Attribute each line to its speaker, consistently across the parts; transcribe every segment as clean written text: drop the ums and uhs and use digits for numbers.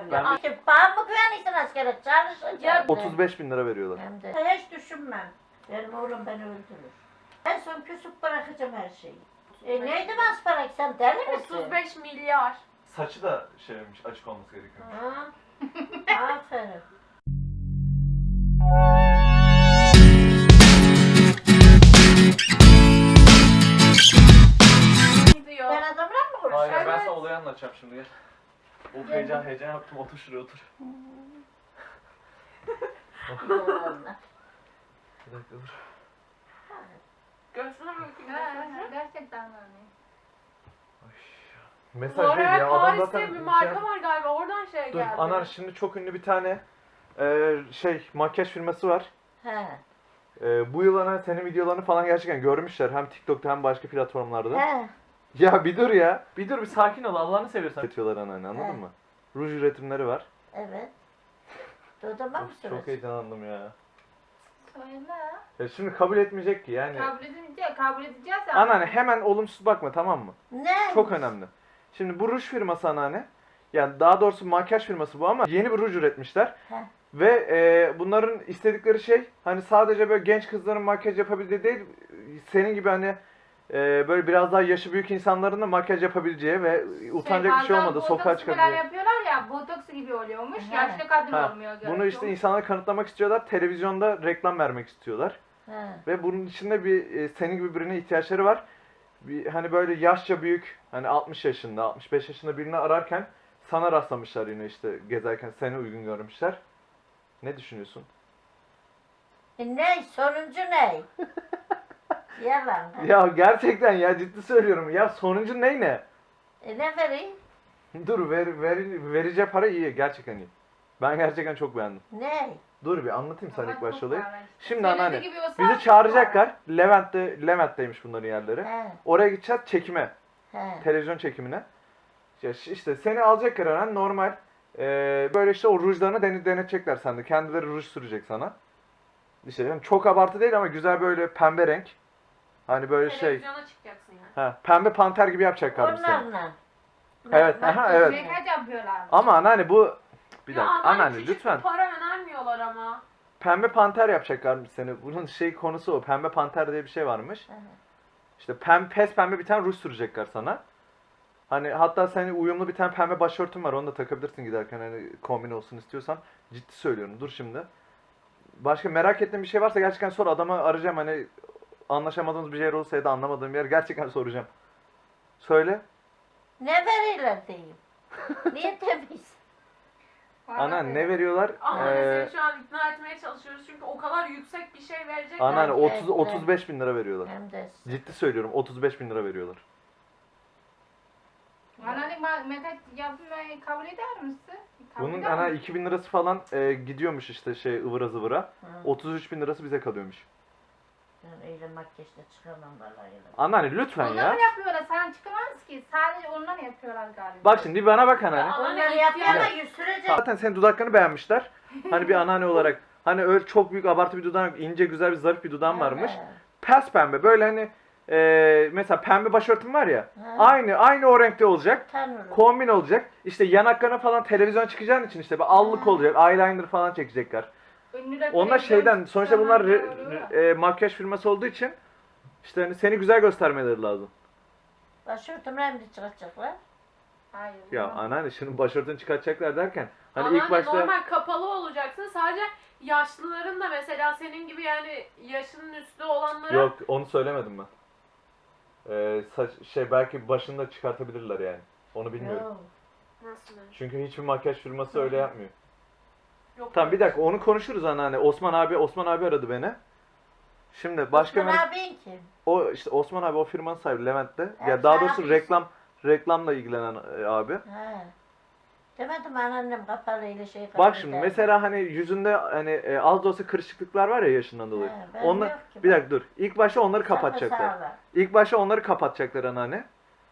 Speaker 1: Ben-
Speaker 2: Bana mı güveniyorsun askere çalışacağım?
Speaker 1: 35 bin lira veriyorlar.
Speaker 2: Hem de. Hiç düşünmem. Benim oğlum beni öldürür. En son küsüp bırakacağım her şeyi. Neydi Masparak, sen deli misin?
Speaker 3: 35 milyar.
Speaker 1: Saçı da şeymiş, açık olması gerekiyor.
Speaker 2: Ha? Aferin.
Speaker 3: Diyor.
Speaker 2: Ben adamla mı konuşuyorum?
Speaker 1: Hayır, ben
Speaker 3: Evet.
Speaker 1: sana olayı anlatacağım şimdi gel. Of, heyecan yaptım, otur şuraya otur.
Speaker 2: Yoğunlar.
Speaker 1: Bir dakika dur.
Speaker 3: Görsene bakayım.
Speaker 4: Gerçekten öyle.
Speaker 3: Bu
Speaker 1: Mesaj değil
Speaker 3: arada
Speaker 1: ya, adam
Speaker 3: Paris'te
Speaker 1: zaten
Speaker 3: bir marka var galiba, oradan
Speaker 1: Dur,
Speaker 3: geldi.
Speaker 1: Anar şimdi çok ünlü bir tane makyaj firması var.
Speaker 2: He.
Speaker 1: Bu yıl ana senin videolarını falan gerçekten görmüşler. Hem TikTok'ta hem başka platformlarda.
Speaker 2: He.
Speaker 1: Ya bir dur ya. Bir dur, bir sakin ol, Allah'ını seviyorsan. Üretiyorlar anneanne, anladın
Speaker 2: He.
Speaker 1: mı? Ruj üretimleri var.
Speaker 2: Evet. Dodama mı
Speaker 1: Of, çok
Speaker 2: sürüyorsun?
Speaker 1: heyecanlandım ya.
Speaker 4: Söyle.
Speaker 1: Ya şimdi kabul etmeyecek ki yani.
Speaker 4: Kabul edeceğiz ya.
Speaker 1: Anneanne hemen olumsuz bakma, tamam mı?
Speaker 2: Ne?
Speaker 1: Çok önemli. Şimdi bu ruj firması anneanne. Yani daha doğrusu makyaj firması bu ama yeni bir ruj üretmişler.
Speaker 2: He.
Speaker 1: Ve bunların istedikleri şey hani sadece böyle genç kızların makyaj yapabildiği değil, senin gibi hani böyle biraz daha yaşı büyük insanların da makyaj yapabileceği ve utanacak bir şey olmadı, sokağa
Speaker 4: Falan
Speaker 1: çıkabileceği.
Speaker 4: yapıyorlar ya, botoks gibi oluyormuş.
Speaker 2: He.
Speaker 4: Yaşlı kadın
Speaker 1: Ha,
Speaker 4: olmuyor.
Speaker 1: bunu işte insanlara kanıtlamak istiyorlar, televizyonda reklam vermek istiyorlar.
Speaker 2: He.
Speaker 1: Ve bunun içinde bir senin gibi birine ihtiyaçları var. Bir, hani böyle yaşça büyük, hani 60 yaşında, 65 yaşında birini ararken sana rastlamışlar yine işte gezerken, seni uygun görmüşler. Ne düşünüyorsun?
Speaker 2: Ne? Sonuncu ne? Yalan.
Speaker 1: Ya gerçekten ya, ciddi söylüyorum. Ya sonuncu ne?
Speaker 2: Ne vereyim?
Speaker 1: Dur, vereceği para iyi, gerçekten iyi. Ben gerçekten çok beğendim.
Speaker 2: Ne?
Speaker 1: Dur bir anlatayım sana ilk başta olayı. Şimdi
Speaker 4: Söylediği
Speaker 1: anneanne,
Speaker 4: gibi olsa
Speaker 1: bizi çağıracaklar. Levent'teymiş bunların yerleri.
Speaker 2: He.
Speaker 1: Oraya gideceğiz çekime,
Speaker 2: He.
Speaker 1: televizyon çekimine. Ya işte seni alacaklar hemen normal. Böyle işte o rujlarını denetecekler sende. Kendileri ruj sürecek sana. İşte yani çok abartı değil ama güzel böyle pembe renk. Hani böyle şey.
Speaker 3: Televizyona çıkacaksın yani.
Speaker 1: Ha, pembe panter gibi yapacaklar seni.
Speaker 2: Onlarla.
Speaker 1: Evet, aha, evet.
Speaker 4: Makyaj yapıyorlar.
Speaker 1: Ama anneanne bu... Bir
Speaker 3: Ya
Speaker 1: dakika,
Speaker 3: anneanne,
Speaker 1: anneanne
Speaker 3: küçük
Speaker 1: lütfen.
Speaker 3: bir para önermiyorlar ama.
Speaker 1: Pembe panter yapacaklarmış seni. Bunun konusu o. Pembe panter diye bir şey varmış.
Speaker 2: Hı hı.
Speaker 1: İşte pes pembe bir tane ruj sürecekler sana. Hani hatta senin uyumlu bir tane pembe başörtün var. Onu da takabilirsin giderken, hani kombin olsun istiyorsan. Ciddi söylüyorum. Dur şimdi. Başka merak ettiğin bir şey varsa gerçekten sor. Adamı arayacağım, hani anlaşamadığımız bir yer olsa ya da anlamadığım bir yer gerçekten soracağım. Söyle.
Speaker 2: Ne verirler diyeyim. Niye temiz?
Speaker 1: Anneanne ne veriyorlar?
Speaker 3: Anneanne seni şu an ikna etmeye çalışıyoruz çünkü o kadar yüksek bir şey verecekler.
Speaker 1: Anneanne
Speaker 2: Evet,
Speaker 1: 35 bin lira veriyorlar.
Speaker 2: Hem de.
Speaker 1: Ciddi söylüyorum, 35 bin lira veriyorlar.
Speaker 4: Anneanne makyaj yapmayı kabul eder misin? Kabul
Speaker 1: Bunun
Speaker 4: eder
Speaker 1: ana
Speaker 4: misin?
Speaker 1: 2000 lirası falan gidiyormuş işte ıvıra zıvıra.
Speaker 2: Hı.
Speaker 1: 33 bin lirası bize kalıyormuş.
Speaker 2: Ben öyle makyajla çıkamam vallahi.
Speaker 1: Anneanne lütfen
Speaker 4: Onlar
Speaker 1: ya.
Speaker 4: mı yapıyorlar? Sen çıkamaz ki. Sadece onlar yapıyorlar galiba.
Speaker 1: Bak şimdi bana bak anneanne.
Speaker 3: Ya,
Speaker 2: Onlar
Speaker 3: Anneanne
Speaker 2: yapıyor ama
Speaker 3: ihtiyaç-
Speaker 2: yüz sürecek.
Speaker 1: Zaten senin dudaklarını beğenmişler. Hani bir anneanne olarak. Hani öyle çok büyük abartı bir dudağın yok. İnce güzel bir zarif bir dudağın varmış.
Speaker 2: He.
Speaker 1: Pes pembe böyle hani mesela pembe başörtün var ya.
Speaker 2: He.
Speaker 1: Aynı o renkte olacak.
Speaker 2: Tanrım.
Speaker 1: Kombin olacak. İşte yanaklarına falan televizyon çıkacağın için işte bir allık
Speaker 2: Ha.
Speaker 1: olacak. Eyeliner falan çekecekler.
Speaker 4: Ünlüler
Speaker 1: Onlar
Speaker 4: televizyon
Speaker 1: şeyden sonuçta bunlar
Speaker 4: çıkıyor.
Speaker 1: makyaj firması olduğu için işte hani seni güzel göstermeleri lazım.
Speaker 2: Başörtümle hem de çıkacaklar.
Speaker 4: Hayır.
Speaker 1: Ya
Speaker 4: olmaz.
Speaker 1: anneanne şimdi başörtünü çıkartacaklar derken hani
Speaker 3: Anneanne
Speaker 1: ilk başta
Speaker 3: normal kapalı olacaksın. Sadece yaşlıların da mesela senin gibi yani yaşının üstü olanlara
Speaker 1: yok onu söylemedim ben. Belki başını da çıkartabilirler yani. Onu bilmiyorum.
Speaker 2: Yok.
Speaker 3: nasıl?
Speaker 1: Çünkü hiçbir makyaj firması öyle yapmıyor.
Speaker 3: Yok.
Speaker 1: Tamam bir dakika onu konuşuruz anneanne. Osman abi aradı beni. Şimdi başka
Speaker 2: Osman abin kim?
Speaker 1: o işte Osman abi o firmanın sahibi Levent'te.
Speaker 2: Evet,
Speaker 1: Ya daha
Speaker 2: sen
Speaker 1: doğrusu
Speaker 2: yapıyorsun.
Speaker 1: reklamla ilgilenen abi.
Speaker 2: He. Demedim anneannem kapalı ile şey kapalı.
Speaker 1: Bak şimdi mesela hani yüzünde hani az da olsa kırışıklıklar var ya yaşından dolayı.
Speaker 2: He, ben
Speaker 1: Onlar
Speaker 2: yok ki,
Speaker 1: bir
Speaker 2: bak.
Speaker 1: dakika dur. İlk başta onları
Speaker 2: Sapı
Speaker 1: kapatacaklar.
Speaker 2: sağlam.
Speaker 1: İlk başta onları kapatacaklar anneanne.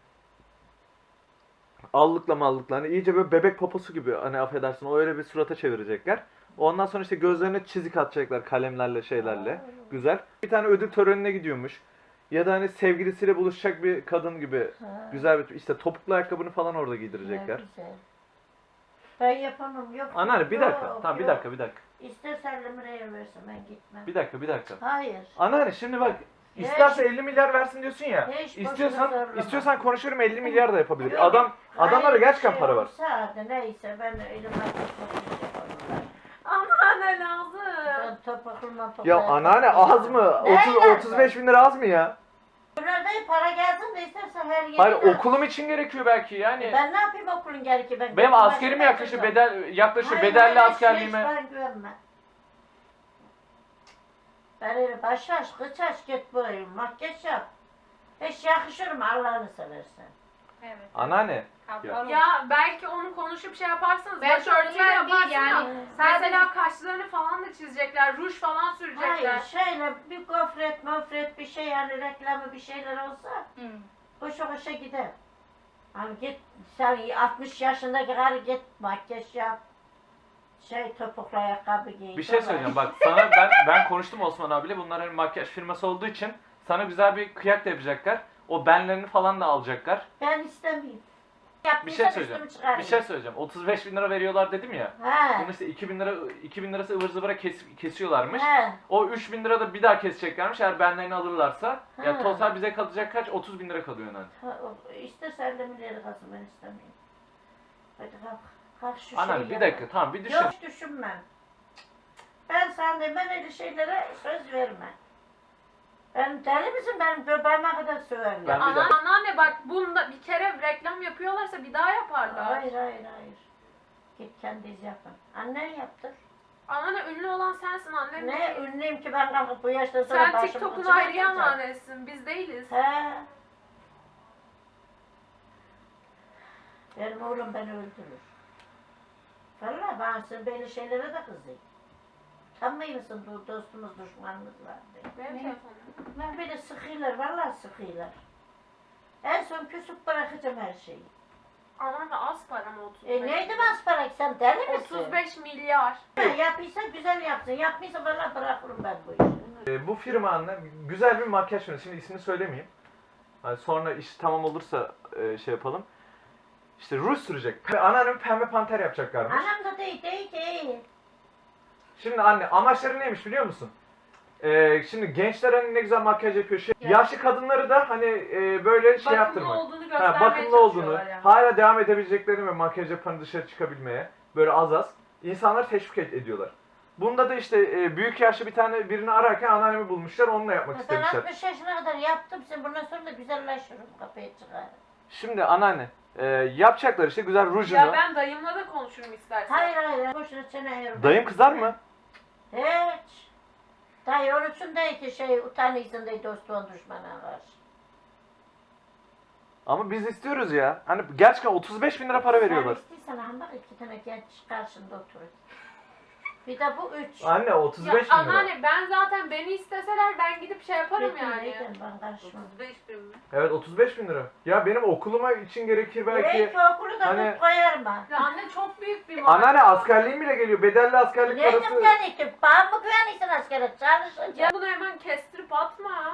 Speaker 1: Allıkla mallıkla hani iyice böyle bebek poposu gibi hani affedersin o öyle bir surata çevirecekler. Ondan sonra işte gözlerine çizik atacaklar kalemlerle şeylerle.
Speaker 2: Aa.
Speaker 1: Güzel. Bir tane ödül törenine gidiyormuş. Ya da hani sevgilisiyle buluşacak bir kadın gibi
Speaker 2: Ha.
Speaker 1: güzel bir işte topuklu ayakkabını falan orada
Speaker 2: Ne
Speaker 1: giydirecekler.
Speaker 2: güzel. Ben yapamam. Yok.
Speaker 1: Anneanne bir dakika.
Speaker 2: yok,
Speaker 1: Tamam bir
Speaker 2: yok.
Speaker 1: dakika bir dakika.
Speaker 2: İstersen liraya versin ben gitmem.
Speaker 1: Bir dakika bir dakika.
Speaker 2: Hayır.
Speaker 1: Anneanne şimdi bak isterse 50 milyar versin diyorsun ya.
Speaker 2: Hiç boşuna
Speaker 1: İstiyorsan
Speaker 2: zorlama.
Speaker 1: konuşurum 50 milyar da yapabilir.
Speaker 2: Yok,
Speaker 1: Adamlara
Speaker 2: hayır,
Speaker 1: gerçekten
Speaker 2: bir
Speaker 1: para var.
Speaker 2: olsa hadi neyse ben elim ayaklarım.
Speaker 3: Anneanne lazım.
Speaker 2: Ben topaklıma
Speaker 1: Ya anneanne az mı?
Speaker 2: Ne
Speaker 1: 35 bin lira az mı ya?
Speaker 2: Bunlarda para gelsin de istersen her yere.
Speaker 5: Hayır okulum için gerekiyor belki yani.
Speaker 2: Ben ne yapayım okulun gerekli ben.
Speaker 5: Benim
Speaker 2: başıma
Speaker 5: askerime yaklaşır
Speaker 2: yapacağım.
Speaker 5: yaklaşır
Speaker 2: Hayır,
Speaker 5: bedelli
Speaker 2: öyle şey
Speaker 5: askerliğime.
Speaker 2: hiç bana güvenme. Ben öyle başlaş, kıçaş git böyle makyaj yap. Hiç yakışır mı Allah'ını seversen.
Speaker 4: Evet.
Speaker 1: Anneanne.
Speaker 4: Kapalı.
Speaker 3: Ya belki onu konuşup şey yaparsanız
Speaker 4: Ben
Speaker 3: başörtüyle
Speaker 4: onlar
Speaker 3: yaparsın
Speaker 4: değil yani.
Speaker 3: da
Speaker 4: Sadece
Speaker 3: mesela kaşlarını falan da çizecekler, ruj falan sürecekler.
Speaker 2: Hayır şöyle bir gofret bir şey yani reklamı bir şeyler olsa
Speaker 4: Hı.
Speaker 2: hoşa hoşa gider. Hani git sen 60 yaşındaki karı git makyaj yap. Topuklu ayakkabı giy.
Speaker 5: Bir şey
Speaker 2: tamam.
Speaker 5: söyleyeceğim bak sana ben konuştum Osman abiyle bunlar hani makyaj firması olduğu için sana güzel bir kıyak da yapacaklar. O benlerini falan da alacaklar.
Speaker 2: Ben istemeyeyim.
Speaker 5: Bir
Speaker 2: Yaptıysa
Speaker 5: şey söyleyeceğim.
Speaker 2: üstümü çıkarayım.
Speaker 5: Bir şey söyleyeceğim. 35 bin lira veriyorlar dedim ya.
Speaker 2: He.
Speaker 5: Bunun işte 2000 lirası ıvır zıvıra kesiyorlarmış.
Speaker 2: He.
Speaker 5: O 3000 lira da bir daha keseceklermiş eğer benlerini alırlarsa. Ya
Speaker 2: Ha.
Speaker 5: total bize kalacak kaç? 30 bin lira kalıyor yani.
Speaker 2: İstersen de milyarı kalsın ben istemeyeyim. Hadi kalk. Kalk şu
Speaker 5: Anneanne
Speaker 2: şeyi
Speaker 5: bir dakika tamam bir düşün.
Speaker 2: Yok düşünmem. Ben sana de ben öyle şeylere söz verme. Ben deli misin benim göbeğime kadar söverler.
Speaker 5: Ben- bir dakika.
Speaker 3: Anneanne bak bunda bir kere reklam yapıyorlarsa bir daha yaparlar.
Speaker 2: Hayır. Git kendiniz yapın. Annen yaptır.
Speaker 3: Anneanne ünlü olan sensin annem
Speaker 2: Ne
Speaker 3: değil.
Speaker 2: ünlüyüm ki ben kalkıp bu yaştan sonra
Speaker 3: Sen
Speaker 2: başımı
Speaker 3: TikTok'un
Speaker 2: kıçıma
Speaker 3: ayrıya
Speaker 2: atacağım.
Speaker 3: emanetsin, biz değiliz.
Speaker 2: He. Benim oğlum beni öldürür. Vallahi ben sen böyle şeylere de kızayım. Utanmıyor musun dostumuz düşmanımız var diye.
Speaker 3: Benim
Speaker 4: Ne?
Speaker 3: telefonum.
Speaker 2: Lan böyle sıkıyorlar, vallahi sıkıyorlar. En son küsüp bırakacağım her şeyi.
Speaker 3: Anneanne az para mı 35?
Speaker 2: Neydi masparak sen deli misin?
Speaker 3: 35 milyar.
Speaker 2: Yapıysa güzel yapsın, yapmıyorsa vallahi bırakırım ben bu işi.
Speaker 1: Bu firma anne güzel bir makyaj firması. Şimdi ismini söylemeyeyim. Hani sonra iş tamam olursa şey yapalım. İşte ruj sürecek. Anneannem pembe panter yapacaklarmış.
Speaker 2: Anam da değil.
Speaker 1: Şimdi anne amaçları neymiş biliyor musun? Şimdi gençler hani ne güzel makyaj yapıyor. Yaşlı kadınları da hani böyle şey
Speaker 3: Bakımlı
Speaker 1: yaptırmak.
Speaker 3: olduğunu göstermeye
Speaker 1: Bakımlı olduğunu,
Speaker 3: çalışıyorlar yani.
Speaker 1: hala devam edebileceklerini ve makyaj yapan dışarı çıkabilmeye böyle az insanları teşvik ediyorlar. Bunda da işte büyük yaşlı birini ararken anneannemi bulmuşlar, onunla yapmak
Speaker 2: Ben
Speaker 1: istemişler.
Speaker 2: 60 yaşına kadar yaptım, sen bundan sonra da güzelleşirim, kapıya çıkarım.
Speaker 1: Şimdi anneanne yapacaklar işte güzel rujunu.
Speaker 3: Ya ben dayımla da konuşurum istersen.
Speaker 2: Hayır, boşuna çene ayırma.
Speaker 1: Dayım kızar mı?
Speaker 2: Hiç. Dayı onun için değil ki utanıyorsun değil dostluğun düşmana karşı.
Speaker 1: Ama biz istiyoruz ya. Hani gerçekten 35 bin lira para veriyorlar.
Speaker 2: Sen istiyorsan ama bak 2 tane genç karşında oturuyor. Bir de bu 3.
Speaker 1: Anne 35
Speaker 3: Ya
Speaker 1: bin lira.
Speaker 3: anneanne ben zaten beni isteseler ben gidip şey yaparım yani.
Speaker 2: Ben karışmam.
Speaker 3: 35 bin mi?
Speaker 1: Evet 35 bin lira. Ya benim okuluma için gerekir belki.
Speaker 2: Belki okulu da
Speaker 1: hani-
Speaker 2: tut koyarım ha.
Speaker 3: Ya anne çok büyük bir maaş.
Speaker 1: Anneanne askerliğim bile geliyor. Bedelli askerlik
Speaker 2: Neydim
Speaker 1: parası.
Speaker 2: güvenlikti? Bana mı güvenliksin askere? Çalışacağım.
Speaker 3: Ya bunu hemen kestirip atma.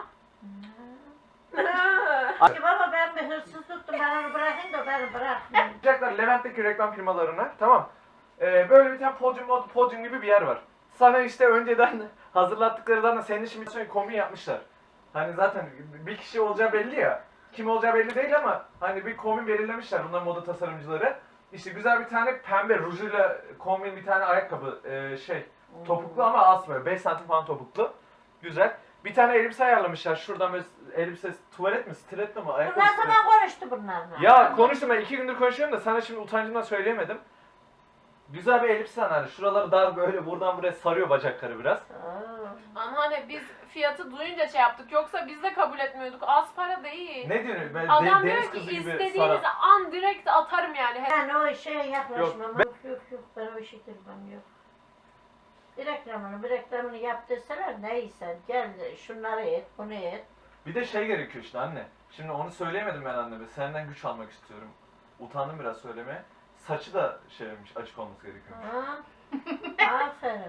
Speaker 2: Ki baba ben bir hırsız tuttum, ben onu bırakayım da beni bırakmayayım.
Speaker 1: Yapacaklar Levent'teki reklam firmalarına. Tamam. Böyle bir tane podyum gibi bir yer var. Sana işte önceden hazırlattıkları zaten senin için bir sürü kombin yapmışlar. Hani zaten bir kişi olacağı belli ya. Kim olacağı belli değil ama hani bir kombin belirlemişler bunlar moda tasarımcıları. İşte güzel bir tane pembe rujuyla kombin bir tane ayakkabı topuklu ama az böyle 5 santim falan topuklu. Güzel. Bir tane elbise ayarlamışlar. Şuradan böyle elbise tuvalet mi, stiletto mu? Ayakkabı
Speaker 2: Bunlar
Speaker 1: stiletto.
Speaker 2: zaman konuştu bunlarla.
Speaker 1: Ya konuştum ben 2 gündür konuşuyorum da sana şimdi utancımdan söyleyemedim. Güzel bir elbise hani şuraları dar böyle buradan buraya sarıyor bacakları biraz.
Speaker 3: Anneanne biz fiyatı duyunca şey yaptık. Yoksa biz de kabul etmiyorduk. Az para değil.
Speaker 1: Ne diyorsun? Ben
Speaker 3: Adam
Speaker 1: deniz
Speaker 3: diyor ki
Speaker 1: kızı gibi
Speaker 3: istediğiniz
Speaker 1: saran.
Speaker 3: an direkt atarım yani.
Speaker 2: Ben o şeye yaklaşmam.
Speaker 1: Yok,
Speaker 2: Yok, ben o işe girmem yok. Bir reklamını yaptırsalar neyse gel şunları et, bunu et.
Speaker 1: Bir de şey gerekiyor işte anne. Şimdi onu söyleyemedim ben anneme. Senden güç almak istiyorum. Utandım biraz söylemeye. Saçı da şeymiş, açık olması gerekiyormuş.
Speaker 2: Ha? Aferin.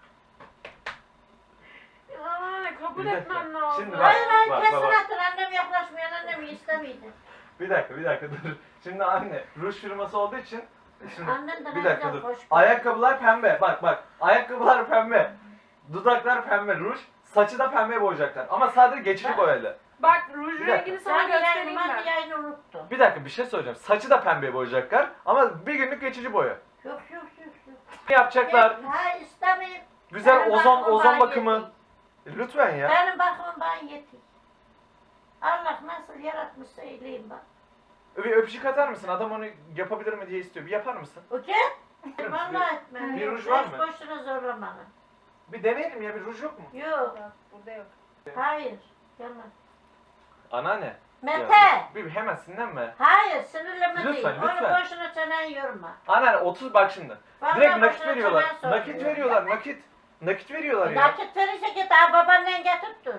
Speaker 3: Anneanne kabul
Speaker 1: Bir dakika.
Speaker 3: etmem lazım.
Speaker 1: Şimdi bak.
Speaker 2: Hayır kesin
Speaker 1: bak.
Speaker 2: atın, annem yaklaşmıyor, annem istemiydi.
Speaker 1: Bir dakika dur. Şimdi anne ruj firması olduğu için Şimdi
Speaker 2: Annen de ne
Speaker 1: bir dakika
Speaker 2: güzel
Speaker 1: dur.
Speaker 2: hoş.
Speaker 1: Ayakkabılar pembe. Bak. Ayakkabılar pembe. Dudaklar pembe. Ruj. Saçı da pembe boyayacaklar. Ama sadece geçici
Speaker 2: Ben-
Speaker 1: boyayla.
Speaker 3: Bak ruj
Speaker 1: Bir dakika.
Speaker 3: rengini sana
Speaker 2: Sen
Speaker 3: göstereyim
Speaker 2: yayını
Speaker 3: ben.
Speaker 2: yayını unuttun.
Speaker 1: Bir dakika bir şey söyleyeceğim. Saçı da pembe boyayacaklar. Ama bir günlük geçici boya.
Speaker 2: Yok.
Speaker 1: Ne yapacaklar?
Speaker 2: Ha istemeyim.
Speaker 1: Güzel
Speaker 2: Benim
Speaker 1: ozon
Speaker 2: bakımım
Speaker 1: ozon
Speaker 2: bana
Speaker 1: bakımı.
Speaker 2: yetiyor.
Speaker 1: Lütfen ya.
Speaker 2: Benim bakımım bana yetiyor. Allah nasıl yaratmışsa eyleyim bak.
Speaker 1: Bir öpücük atar mısın? Adam onu yapabilir mi diye istiyor. Bir yapar mısın?
Speaker 2: Okey? Vallahi etmem.
Speaker 1: bir
Speaker 2: Yok,
Speaker 1: ruj var
Speaker 2: hiç
Speaker 1: mı?
Speaker 2: boşuna zorlama bana.
Speaker 1: Bir deneyelim ya. Bir ruj yok mu?
Speaker 2: Yok.
Speaker 4: Yok, burada yok.
Speaker 2: Hayır. Yalan.
Speaker 1: Anneanne.
Speaker 2: Mete.
Speaker 1: Ya, bir hemen sinirlenme.
Speaker 2: Hayır sinirleme
Speaker 1: Lütfen,
Speaker 2: değil. Onu
Speaker 1: lütfen.
Speaker 2: boşuna çenen yorma.
Speaker 1: Anneanne 30 bak şimdi.
Speaker 2: Vallahi
Speaker 1: Direkt nakit
Speaker 2: boşuna
Speaker 1: veriyorlar.
Speaker 2: çenen sormuyor.
Speaker 1: Nakit veriyorlar. Nakit veriyorlar ya.
Speaker 2: Nakit verirse git ha babaannen getir dur.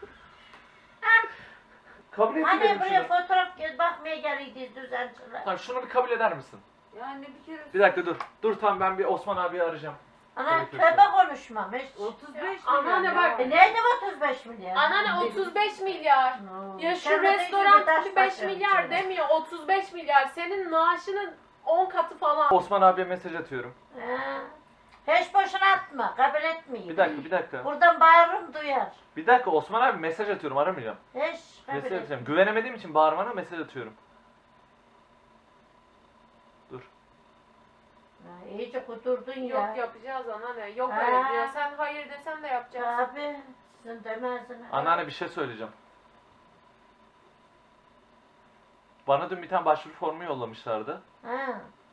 Speaker 1: Kabul etmiyorum
Speaker 2: Hani buraya
Speaker 1: şunu.
Speaker 2: fotoğraf bakmaya geliydi düzençiler.
Speaker 1: Tamam şunu bir kabul eder misin?
Speaker 3: Yani bir kere
Speaker 1: Bir dakika dur. Dur tamam ben bir Osman abiyi arayacağım.
Speaker 2: Ana
Speaker 1: Gerekirse.
Speaker 2: tövbe konuşmam hiç.
Speaker 3: 35
Speaker 4: Anneanne
Speaker 3: milyar.
Speaker 4: bak.
Speaker 2: Neydi 35 milyar?
Speaker 3: Anneanne 35 milyar. Ya şu
Speaker 2: Sen de
Speaker 3: restoran
Speaker 2: taş
Speaker 3: tipi 5
Speaker 2: başa
Speaker 3: milyar
Speaker 2: içine.
Speaker 3: demiyor. 35 milyar. Senin maaşının 10 katı falan.
Speaker 1: Osman abiye mesaj atıyorum.
Speaker 2: Hiç boşuna atma, kabul etmeyeyim.
Speaker 1: Bir dakika.
Speaker 2: Buradan bağırırım duyar.
Speaker 1: Bir dakika Osman abi mesaj atıyorum aramayacağım.
Speaker 2: Hiç kabul
Speaker 1: Mesaj
Speaker 2: etmeyeyim.
Speaker 1: atacağım. Güvenemediğim için bağırmana mesaj atıyorum. Dur.
Speaker 2: İyice kudurdun ya.
Speaker 3: Yok yapacağız anneanne. Yok
Speaker 2: Ha.
Speaker 3: öyle diyor. Sen hayır desen de yapacağız.
Speaker 2: Abi sizin demezdin.
Speaker 1: Anneanne bir şey söyleyeceğim. Bana dün bir tane başvuru formu yollamışlardı.
Speaker 2: Ha.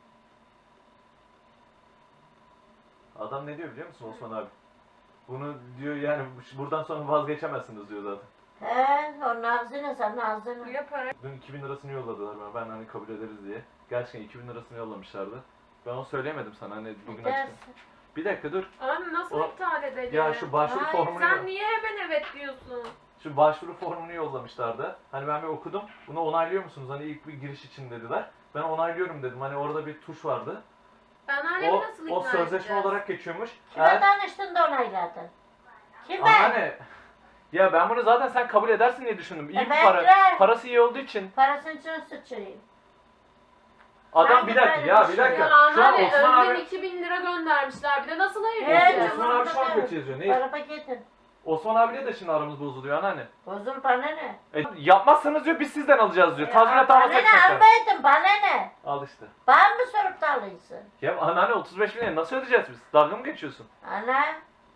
Speaker 1: Adam ne diyor biliyor musun Osman abi? Bunu diyor yani buradan sonra vazgeçemezsiniz diyor zaten.
Speaker 2: He, o ağzına sen ağzına.
Speaker 3: Ya para.
Speaker 1: Dün 2000 lirasını yolladılar bana. Ben hani kabul ederiz diye. Gerçekten 2000 lirasını yollamışlardı. Ben onu söyleyemedim sana hani bugün açtım.
Speaker 2: Dersin.
Speaker 1: Bir dakika dur.
Speaker 3: Anne nasıl
Speaker 1: O-
Speaker 3: iptal edelim?
Speaker 1: Ya şu başvuru
Speaker 3: Hayır,
Speaker 1: formunu
Speaker 3: sen niye hemen evet diyorsun?
Speaker 1: Şu başvuru formunu yollamışlardı. Hani ben bir okudum. Bunu onaylıyor musunuz? Hani ilk bir giriş için dediler. Ben onaylıyorum dedim. Hani orada bir tuş vardı.
Speaker 3: Anneannemi
Speaker 1: O,
Speaker 3: nasıl
Speaker 1: o
Speaker 3: ikna
Speaker 1: sözleşme
Speaker 3: edeceğiz?
Speaker 1: olarak geçiyormuş.
Speaker 2: Kime danıştın da onayladın? Kime?
Speaker 1: Anneanne. Ya ben bunu zaten sen kabul edersin diye düşündüm. İyi bir
Speaker 2: Evet,
Speaker 1: para.
Speaker 2: evet.
Speaker 1: Parası iyi olduğu için.
Speaker 2: Parasını için sıçrayım.
Speaker 1: Adam
Speaker 2: Sanki
Speaker 1: bir dakika
Speaker 2: böyle
Speaker 1: ya
Speaker 2: bir
Speaker 1: bir
Speaker 2: şey
Speaker 1: dakika.
Speaker 3: Ya
Speaker 1: Şu an
Speaker 3: anneanne
Speaker 1: Osman
Speaker 3: önden
Speaker 1: abi
Speaker 3: 2000 lira göndermişler. Bir de nasıl hayır
Speaker 2: Evet,
Speaker 3: diyeceğiz?
Speaker 1: Osman abi şu an kötü yazıyor. Ne?
Speaker 2: Araba gidin.
Speaker 1: Osman abiyle de şimdi aramız bozuluyor anneanne.
Speaker 2: Bozul bana ne?
Speaker 1: Yapmazsanız diyor biz sizden alacağız diyor. Tazminat
Speaker 2: bana
Speaker 1: almasak
Speaker 2: ne almaydın bana ne?
Speaker 1: Al işte.
Speaker 2: Bana mı sorup da alıyorsun?
Speaker 1: Ya anneanne 35 bin lira nasıl ödeyeceğiz biz? Dalga mı geçiyorsun?
Speaker 2: Ana.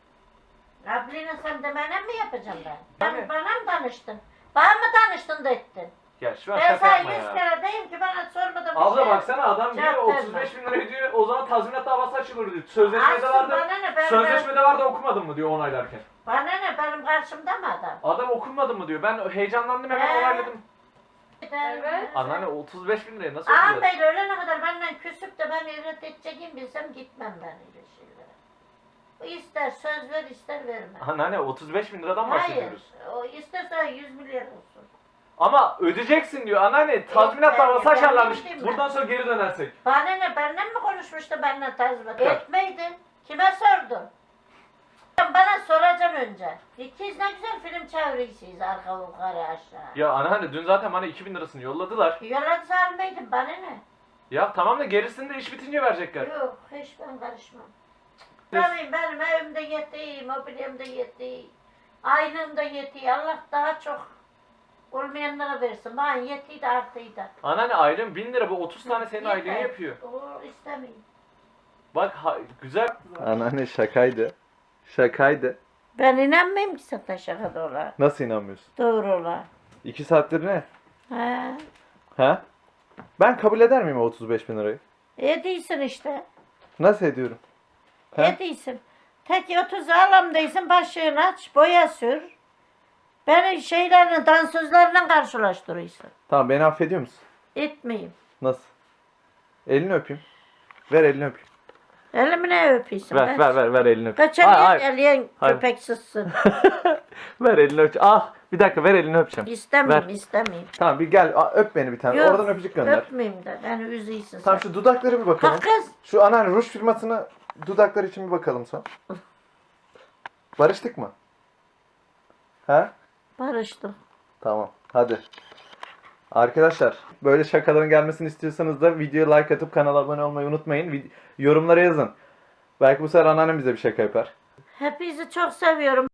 Speaker 2: Abline sen de bana mı yapacağım ben?
Speaker 1: Tabii.
Speaker 2: Sen bana mı danıştın? Bana mı danıştın da ettin?
Speaker 1: Ya şu an
Speaker 2: Ben
Speaker 1: şaka
Speaker 2: sana
Speaker 1: yapma
Speaker 2: 100
Speaker 1: ya.
Speaker 2: kere deyim ki bana sormadan bir
Speaker 1: Abla
Speaker 2: şey.
Speaker 1: baksana adam diyor
Speaker 2: Cevap verme.
Speaker 1: 35 bin lira ödüyor o zaman tazminat davası açılır diyor.
Speaker 2: Açsın
Speaker 1: Sözleşmede vardı.
Speaker 2: bana ne?
Speaker 1: Sözleşmede vardı okumadın mı diyor onaylarken.
Speaker 2: Bana ne? Benim karşımda mı adam?
Speaker 1: Adam okumadın mı diyor. Ben heyecanlandım hemen onayladım.
Speaker 3: Evet.
Speaker 1: Anneanne 35 bin liraya nasıl ödeyeceğiz?
Speaker 2: Ağabey ölene kadar benden küsüp de ben evlat edeceğim bilsem gitmem ben öyle şeylere. O ister söz ver ister verme.
Speaker 1: Anneanne 35 bin liradan
Speaker 2: Hayır.
Speaker 1: bahsediyoruz.
Speaker 2: O isterse 100 milyar olsun.
Speaker 1: Ama ödeyeceksin diyor anneanne. Tazminat
Speaker 2: ben-
Speaker 1: davası
Speaker 2: ben
Speaker 1: açarlarmış.
Speaker 2: bildim ben.
Speaker 1: Buradan sonra geri dönersek.
Speaker 2: Bana ne? Benden mi konuşmuştu benden tazminat?
Speaker 1: Evet.
Speaker 2: Etmeydin. Kime sordun? Bana soracaksın önce. İkiz ne güzel film çeviriyorsunuz arka yukarı aşağı.
Speaker 1: Ya anneanne dün zaten bana 2000 lirasını yolladılar.
Speaker 2: Yolladı almaydın bana ne?
Speaker 1: Ya tamam da gerisini de iş bitince verecekler.
Speaker 2: Yok hiç ben karışmam. Benim evimde yetiyor, mobilyamda yetiyor, aylığımda yetiyor. Allah daha çok olmayanlara versin. Bana yetiyor da artıyor da.
Speaker 1: Anneanne aylığın 1000 lira bu 30 tane senin
Speaker 2: Yeter.
Speaker 1: aylığını yapıyor.
Speaker 2: O istemeyeyim.
Speaker 1: Bak güzel. Anneanne şakaydı. Şakaydı.
Speaker 2: Ben inanmayayım ki sana şaka dolar.
Speaker 1: Nasıl inanmıyorsun?
Speaker 2: Doğru ola.
Speaker 1: 2 saattir ne?
Speaker 2: Ha.
Speaker 1: Ha? Ben kabul eder miyim o 35 bin lirayı?
Speaker 2: Ediysin işte.
Speaker 1: Nasıl ediyorum? Ha?
Speaker 2: Ediysin. Tek 30 alamdaysın başlığını aç, boya sür. Beni şeylerle, dansözlerle karşılaştırıyorsun.
Speaker 1: Tamam beni affediyor musun?
Speaker 2: Etmeyeyim.
Speaker 1: Nasıl? Elini öpeyim. Ver elini öpeyim.
Speaker 2: Elimi ne öpüyorsun?
Speaker 1: Ver elini öpeyim.
Speaker 2: Kaçan eleyen
Speaker 1: Hayır.
Speaker 2: köpeksizsin.
Speaker 1: Ver elini öpeceğim. Ah bir dakika ver elini öpeceğim.
Speaker 2: İstemeyeyim, istemeyeyim.
Speaker 1: Tamam bir gel öp beni bir tane.
Speaker 2: Yok,
Speaker 1: Oradan öpücük gönder.
Speaker 2: Öpmeyeyim de, beni üzüyorsun
Speaker 1: Tamam
Speaker 2: sen.
Speaker 1: şu dudakları bir bakalım.
Speaker 2: Kalk kız.
Speaker 1: Şu anneanne ruj firmasına dudaklar için bir bakalım son. Barıştık mı? Ha?
Speaker 2: Barıştım.
Speaker 1: Tamam. Hadi. Arkadaşlar böyle şakaların gelmesini istiyorsanız da videoya like atıp kanala abone olmayı unutmayın. Yorumlara yazın. Belki bu sefer anneannem bize bir şaka yapar.
Speaker 2: Hepinizi çok seviyorum.